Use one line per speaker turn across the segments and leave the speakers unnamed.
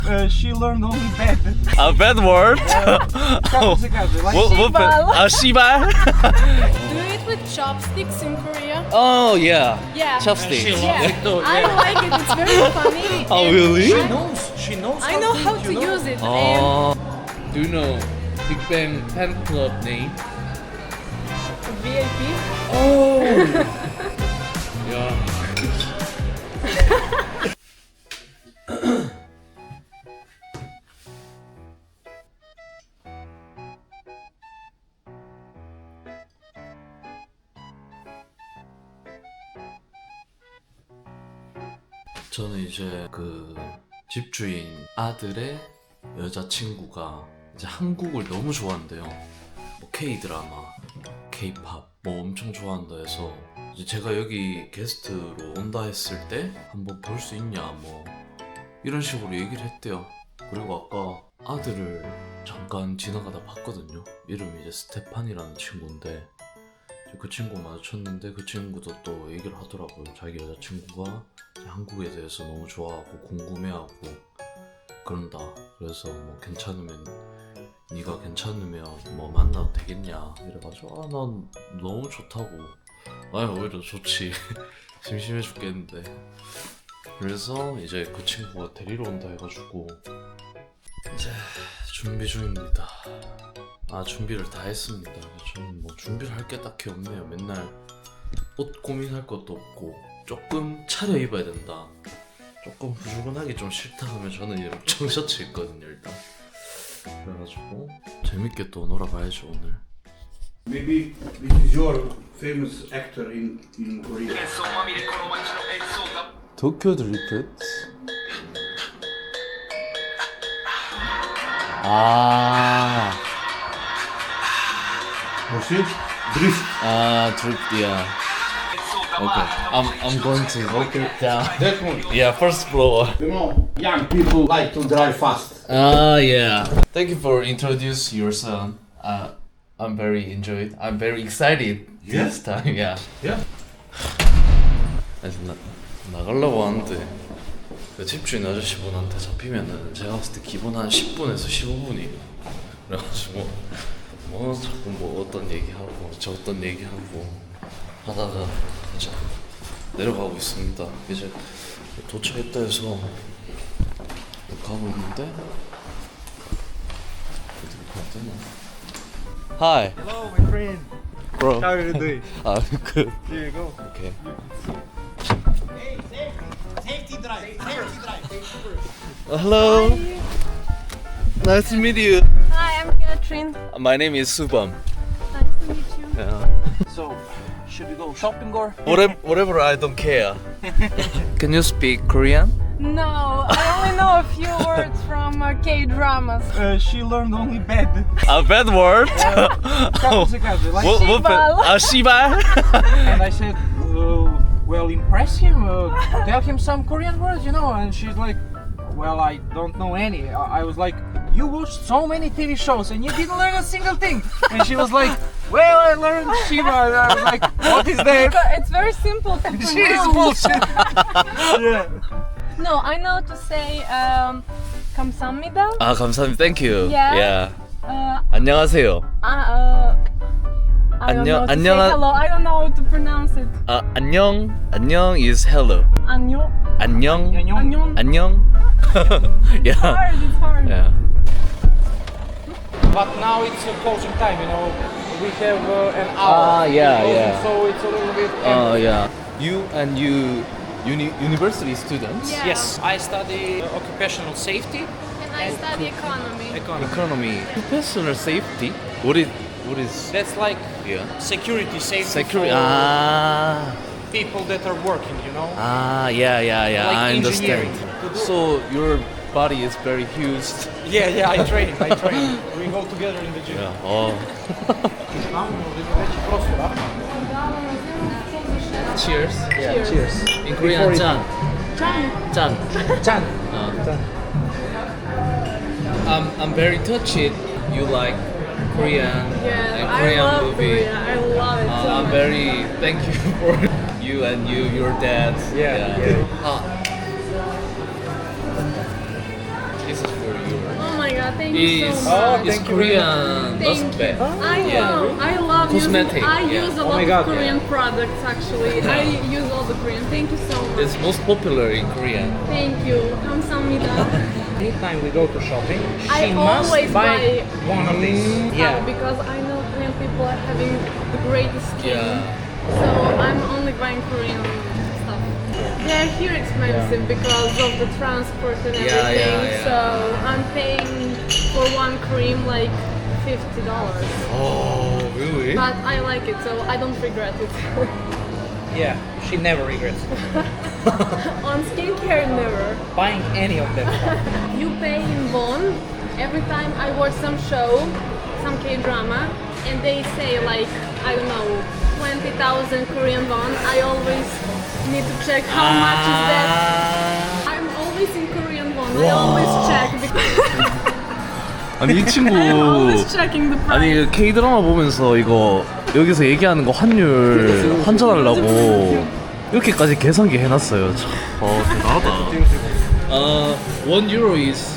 She learned only bad.
A bad word?
Shibal.
Shibal?
Do you eat with chopsticks in Korea?
Oh yeah.
Yeah.
Chopsticks.
Yeah. I like it. It's very funny.
Oh
and
really?
She knows.
I know how to use it.
Oh. Do you know Big Bang fan club name?
And VIP.
Oh. Yeah. 저는 이제 그 집주인 아들의 여자친구가 이제 한국을 너무 좋아한대요. 뭐 K-드라마, K-팝 뭐 엄청 좋아한다 해서 이제 제가 여기 게스트로 온다 했을 때 한번 볼 수 있냐 뭐 이런 식으로 얘기를 했대요. 그리고 아까 아들을 잠깐 지나가다 봤거든요. 이름이 이제 스테판이라는 친구인데 그 친구 마주쳤는데 그 친구도 또 얘기를 하더라고요. 자기 여자친구가 한국에 대해서 너무 좋아하고 궁금해하고 그런다. 그래서 뭐 괜찮으면 네가 괜찮으면 뭐 만나도 되겠냐 이래가지고 난 너무 좋다고. 아니 오히려 좋지. 심심해 죽겠는데. 그래서 이제 그 친구가 데리러 온다 해가지고 이제 준비 중입니다. 준비를 다 했습니다. 저는 뭐 준비를 할 게 딱히 없네요. 맨날 옷 고민할 것도 없고 조금 차려입어야 된다. 조금 후줄근하기 좀 싫다 하면 저는 이런 청셔츠 입거든요 일단. 그래가지고 재밌게 또 놀아봐야죠 오늘.
Maybe this is your famous actor in Korea.
도쿄 드리프트?
What's it? Drift.
드리프트, yeah. Okay, I'm going to walk it down.
That one.
Yeah, first floor.
You know, young people like to drive fast.
Yeah. Thank you for introduce your son. I'm very enjoyed. I'm very excited this time. Yeah.
Yeah.
그래서 나가려고 하는데 그 집주인 아저씨분한테 잡히면은 제가 봤을 때 기본 한 10분에서 15분이에요. 그래가지고 뭐 자꾸 뭐 어떤 얘기하고 저 어떤 얘기하고 하다가 이제 내려가고 있습니다. 이제 도착했다 해서 가고 있는데 어디로 가야 되나? Hi.
Hello, my friend.
Bro.
How are you doing?
Good.
Here you go.
Okay.
Safety drive.
Hello. Nice to meet you.
Hi, I'm Catherine.
My name is Subham.
Nice to meet you.
Yeah.
So, should we go shopping or?
Whatever, I don't care. Can you speak Korean?
No, I only know a few words from K-dramas.
She learned only bad.
A bad word?
Like,
Shibal?
and I said, well, impress him. Tell him some Korean words, you know. And she's like, well, I don't know any. I was like, you watched so many TV shows and you didn't learn a single thing. And she was like, well, I learned Shiva. And I was like, what is that?
It's very simple to pronounce.
She is bullshit. Yeah.
No, I know to say 감사합니다.
감사합니다. Thank you.
Yeah.
안녕하세요.
I don't know to say
안녕.
hello. I don't know how to pronounce it.
안녕 is hello.
안녕.
안녕.
안녕.
안녕. Yeah.
It's hard.
Yeah.
But now it's closing time, you know. We have an hour.
Yeah,
closing,
yeah.
So it's a little bit.
Yeah. You and university students?
Yeah.
Yes, I study occupational safety.
And I study economy.
Economy. Professional safety? What is
That's like
yeah.
security safety
Security.
for people that are working, you know.
Yeah.
Like
I understand.
engineering.
So your body is very huge.
Yeah, I train. We go together in the gym.
Yeah. Oh. Cheers.
Yeah, cheers.
In Korean, 짠. 짠.
Chan.
I'm very touched. You like Korean and
I
Korean
love
movie.
Korea. I love it so
I'm
much.
very thank you for you and your dad.
Yeah.
Is is for you.
Oh my god, thank you
It's,
so much.
it's Korean
Thank
not
you.
bad.
I know. I love
Cosmetic,
using. I
yeah.
use a
Oh
lot
my
of
God,
Korean
yeah.
products actually. I use all the Korean. Thank you so much.
It's most popular in Korea.
Thank you. 감사합니다.
Anytime we go to shopping,
I
she must
always
buy
buy
one of these.
Yeah, because I know Korean people are having the greatest skin.
Yeah.
So I'm only buying Korean stuff. They're here expensive because of the transport and
Yeah,
everything.
yeah, yeah.
So I'm paying for one cream like $50.
Oh, really?
But I like it, so I don't regret it.
Yeah, she never regrets
On skincare, never.
buying any of them.
You pay in won every time I watch some show, some K-drama, and they say like, I don't know, 20,000 Korean won. I always need to check how much is that. I'm always in Korean won. I always check because
아니 이 친구
I'm always checking the price.
아니 K 드라마 보면서 이거 여기서 얘기하는 거 환율 환전하려고 이렇게까지 계산기 해놨어요. 참, 대단하다. 1 euro is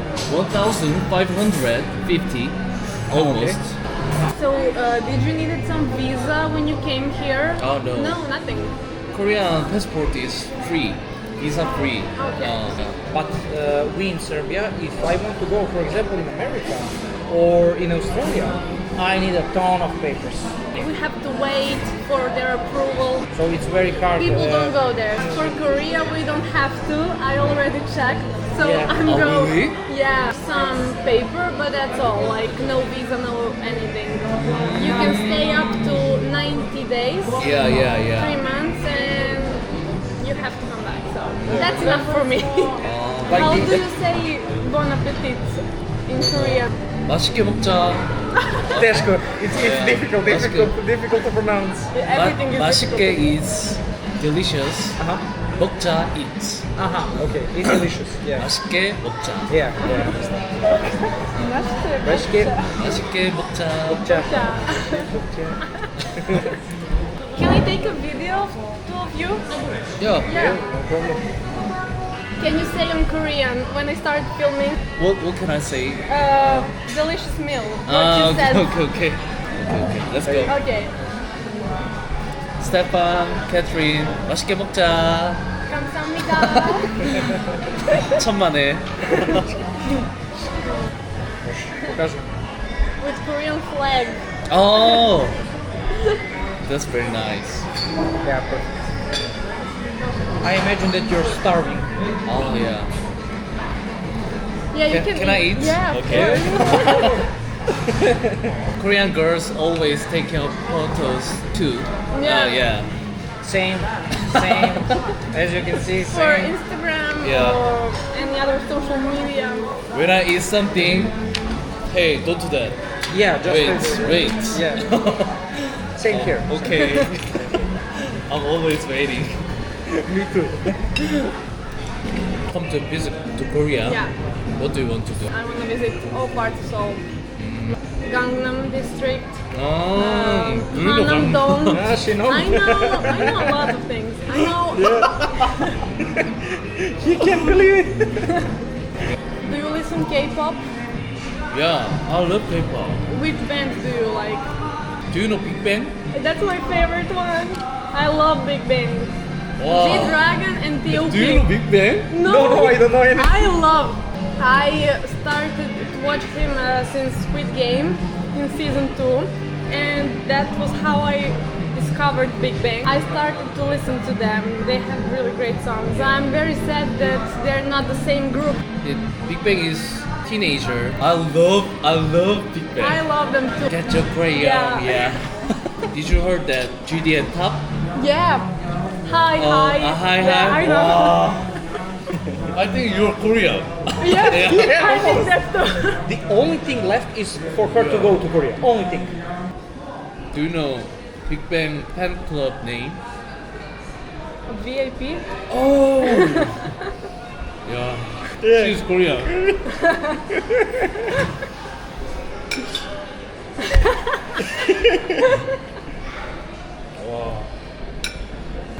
1,550 almost.
So did you needed some visa when you came here?
Oh, no.
No, nothing.
Korean passport is free, visa free.
Okay.
But we in Serbia, if I want to go, for example, in America or in Australia, I need a ton of papers.
We have to wait for their approval.
So it's very hard.
People don't go there. For Korea, we don't have to. I already checked. So
Yeah.
I'm
Oh,
go.
really?
Yeah, some paper, but that's all. Like no visa, no anything. You can stay up to 90 days,
Yeah, yeah, yeah.
3 months, and you have to come back. So that's enough for me.
Like
How
the-
do you say bon appetit in Korean?
맛있게 먹자.
That's good. It's
Yeah,
difficult,
that's
difficult to pronounce.
Everything is
맛있게
difficult.
is delicious.
Uh-huh.
먹자 eats.
Okay. It's delicious. Yeah.
맛있게 먹자.
Yeah. 맛있게
맛있게 먹자.
먹자.
Can I take a video of two of you?
Yeah.
Yeah.
No problem.
Can you say in Korean when I start filming?
What can I say?
Delicious meal. What
Ah,
you said.
okay. Let's go.
Okay.
스테판, 캐트린, 맛있게 먹자.
감사합니다.
천만에.
With Korean flag.
Oh, that's very nice.
Yeah, perfect. I imagine that you're starving.
Oh yeah.
Yeah, you
Can
can
I eat?
Yeah, of
Okay.
course.
Korean girls always taking photos too.
Yeah.
Yeah.
Same. As you can see,
For
same.
Instagram
Yeah.
or any other social media.
When I eat something, hey, don't do that.
Yeah, just
Wait.
Yeah. Same here.
Okay. I'm always waiting.
Me too.
Come to visit to Korea.
Yeah.
What do you want to do?
I want to visit all parts of Seoul. Gangnam District. Hanamdong.
Ah, she knows.
I know a lot of things. I know.
You can't believe it.
Do you listen K-pop?
Yeah, I love K-pop.
Which band do you like?
Do you know Big Bang?
That's my favorite one. I love Big Bang.
Wow.
G-Dragon and T.O.P.
Do you know Big Bang?
No, I don't know anything.
I started to watch him since Squid Game in season 2, and that was how I discovered Big Bang. I started to listen to them. They have really great songs. I'm very sad that they're not the same group.
Big Bang is teenager. I love Big Bang.
I love them too.
Get your crayon,
Yeah.
yeah. Did you heard that GD and Top?
Yeah. Hi.
Hi.
Yeah, I know.
Wow. I think you're Korean.
Yeah,
Yeah.
I think that too.
The only thing left is for her to go to Korea. Only thing.
Do you know Big Bang fan club name?
VIP.
Oh. Yeah. She's Korean. Wow.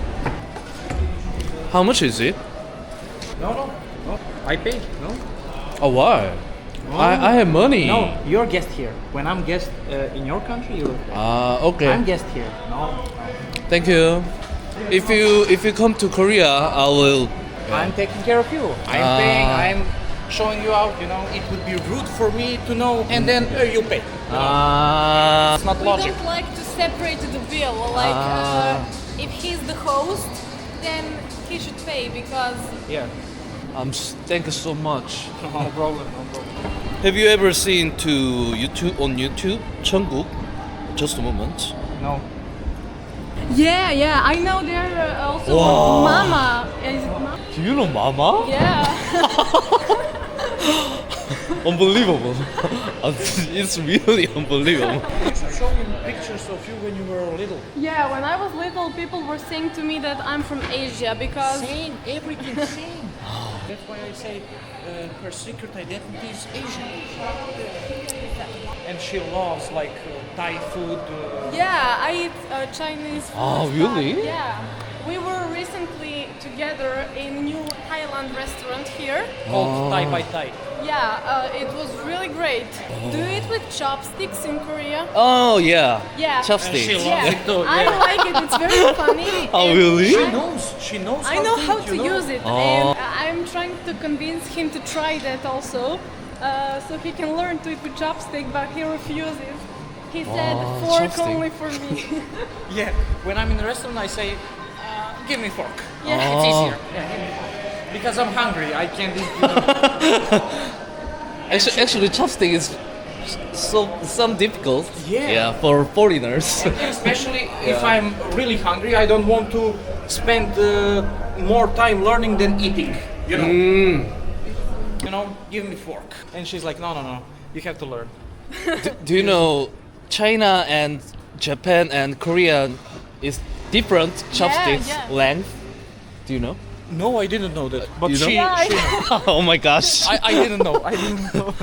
How much is it?
No. I pay. No.
Oh, why? I have money.
No, you're guest here. When I'm guest in your country, you.
Okay.
I'm guest here. No.
Thank you. If you come to Korea, I will.
I'm taking care of you. I'm paying. I'm showing you out. You know, it would be rude for me to know, and then you pay. It's not
We
logic.
don't like to separate the bill. Like, if he's the host, then he should pay because.
Yeah.
Thank you so much.
No problem. No problem.
Have you ever seen on YouTube Cheongguk? Just a moment.
No.
Yeah, I know there also
Wow.
Mama. Is it Mama?
Do you know Mama?
Yeah.
Unbelievable. It's really unbelievable.
You should show me pictures of you when you were little.
Yeah, when I was little, people were saying to me that I'm from Asia because.
Same, everything same. That's why I say her secret identity is Asian. And she loves like Thai food.
Yeah, I eat Chinese food.
Ah, really?
Yeah. We were recently together in a new Thailand restaurant here.
Called Thai by Thai.
Yeah, it was really great. Do you eat with chopsticks in Korea?
Oh yeah.
Yeah.
Chopsticks.
And she
Yeah,
loves it too.
I
Yeah.
like it. It's very funny.
Oh,
and
really?
She knows.
I know how to
you know?
use it,
Oh.
and I'm trying to convince him to try that also, so he can learn to eat with chopstick. But he refuses. He said
Oh,
fork
chopstick.
only for me.
Yeah. When I'm in the restaurant, I say, "Give me fork."
Yeah.
It's easier. Yeah, give me fork. Because I'm hungry. I can't eat. You know.
Actually, chopstick is some difficult.
Yeah.
for foreigners.
Especially if I'm really hungry, I don't want to spend more time learning than eating. You know. You know, give me fork. And she's like, no, you have to learn.
Do you know China and Japan and Korea is different chopsticks
yeah.
length? Do you know?
No, I didn't know that. But
You know?
she,
Yeah, I-
she knows.
Oh my gosh.
I didn't know. I didn't know.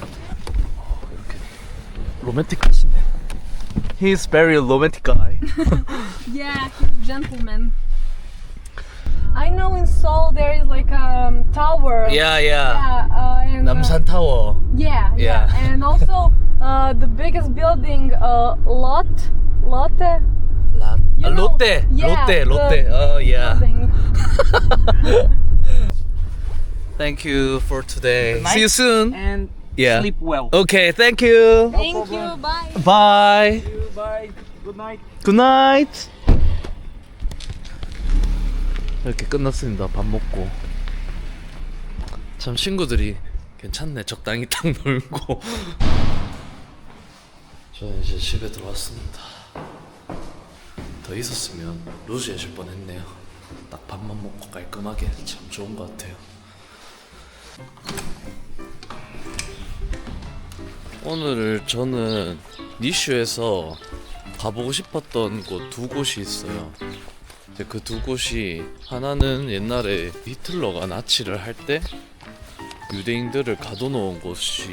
로맨틱하시네. He's very romantic guy.
Yeah, he's a gentleman. I know in Seoul there is like a tower.
yeah.
Yeah, and,
남산 타워.
yeah,
Yeah.
and also the biggest building, Lotte. You know,
롯데.
yeah,
롯데. Oh yeah.
building.
Thank you for today.
night.
See you soon.
And
Yeah.
sleep well.
Okay, thank you.
Thank you.
problem.
Bye.
Bye.
Bye. Good night.
Good night. 이렇게 끝났습니다. 밥 먹고. 참 친구들이 괜찮네. 적당히 딱 놀고. 저는 이제 집에 들어왔습니다. 더 있었으면 루즈해질 뻔했네요. 딱 밥만 먹고 깔끔하게 참 좋은 것 같아요. 오늘 저는 니슈에서 가보고 싶었던 곳 두 곳이 있어요. 그 두 곳이 하나는 옛날에 히틀러가 나치를 할 때 유대인들을 가둬놓은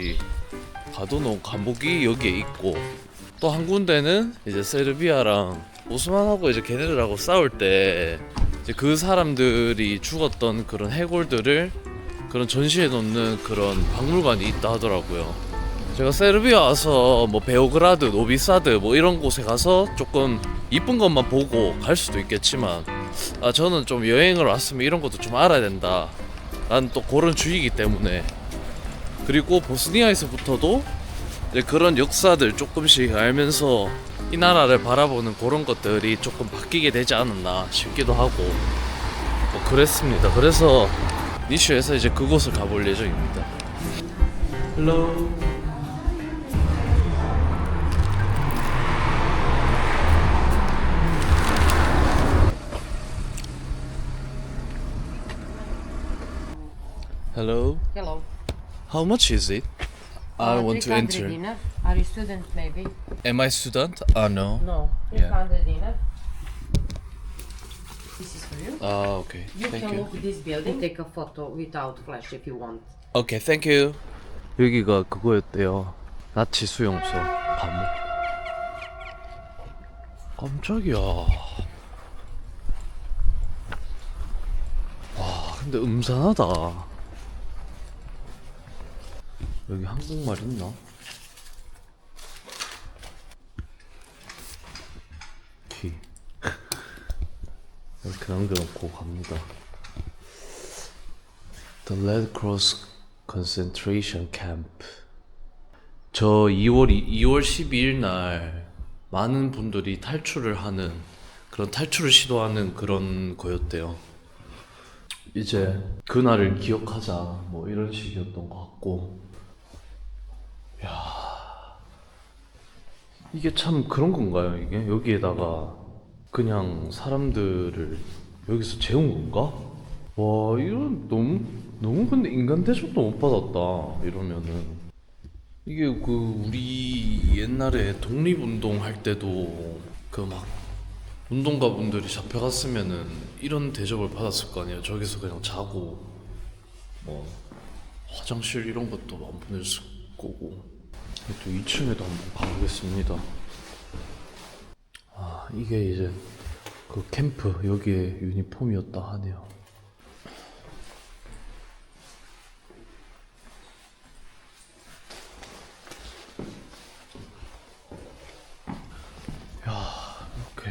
감옥이 여기에 있고, 또 한 군데는 이제 세르비아랑 오스만하고 이제 걔네들하고 싸울 때 이제 그 사람들이 죽었던 그런 해골들을 그런 전시해 놓는 그런 박물관이 있다 하더라고요. 제가 세르비아 와서 뭐 베오그라드, 노비사드 뭐 이런 곳에 가서 조금 이쁜 것만 보고 갈 수도 있겠지만, 저는 좀 여행을 왔으면 이런 것도 좀 알아야 된다 라는 또 그런 주의이기 때문에, 그리고 보스니아에서부터도 이제 그런 역사들 조금씩 알면서 이 나라를 바라보는 그런 것들이 조금 바뀌게 되지 않았나 싶기도 하고 뭐 그랬습니다. 그래서 니슈에서 이제 그곳을 가볼 예정입니다. Hello. Hello.
Hello.
How much is it? I want to
300
enter.
dinar. Are you student maybe?
Am I student? No.
No.
Yeah.
300 dinar. This is for you.
Okay.
You
Thank
can
you.
look this building, take a photo without flash if you want.
Okay, thank you. 여기가 그거였대요. 나치 수용소 감옥. 깜짝이야. 와, 근데 음산하다. 여기 한국말 있나? 키 이렇게 남겨놓고 갑니다. The Red Cross Concentration Camp. 저 2월 12일 날 많은 분들이 탈출을 하는 그런 탈출을 시도하는 그런 거였대요. 이제 그날을 기억하자 뭐 이런 식이었던 것 같고. 야, 이게 참 그런 건가요? 이게 여기에다가 그냥 사람들을 여기서 재운 건가? 와, 이런 너무 근데 인간 대접도 못 받았다 이러면은. 이게 그 우리 옛날에 독립운동 할 때도 그 막 운동가 분들이 잡혀갔으면은 이런 대접을 받았을 거 아니에요. 저기서 그냥 자고 뭐 화장실 이런 것도 안 보냈을 거고. 또 2층에도 한번 가보겠습니다. 아, 이게 이제 그 캠프 여기에 유니폼이었다 하네요. 이렇게.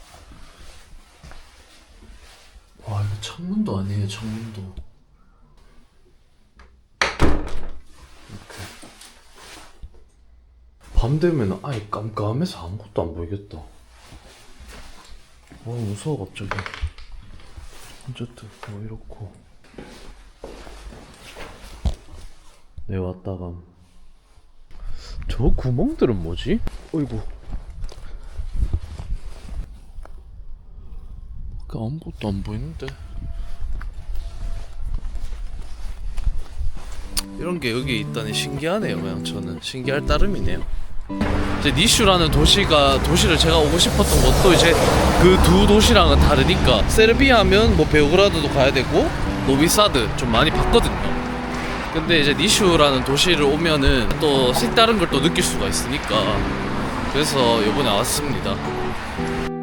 와, 이거 창문도 아니에요, 창문도. 이렇게. 밤 되면 아예 깜깜해서 아무것도 안 보이겠다. 무서워, 갑자기. 어쨌든, 뭐, 이렇고. 네, 왔다가. 저 구멍들은 뭐지? 어이구. 아무것도 안 보이는데. 이런 게 여기 있다니 신기하네요. 그냥 저는 신기할 따름이네요. 이제 니슈라는 도시를 제가 오고 싶었던 것도 이제 그 두 도시랑은 다르니까 세르비아면 뭐 베오그라드도 가야 되고 노비사드 좀 많이 봤거든요. 근데 이제 니슈라는 도시를 오면은 또 색다른 걸 또 느낄 수가 있으니까 그래서 이번에 왔습니다.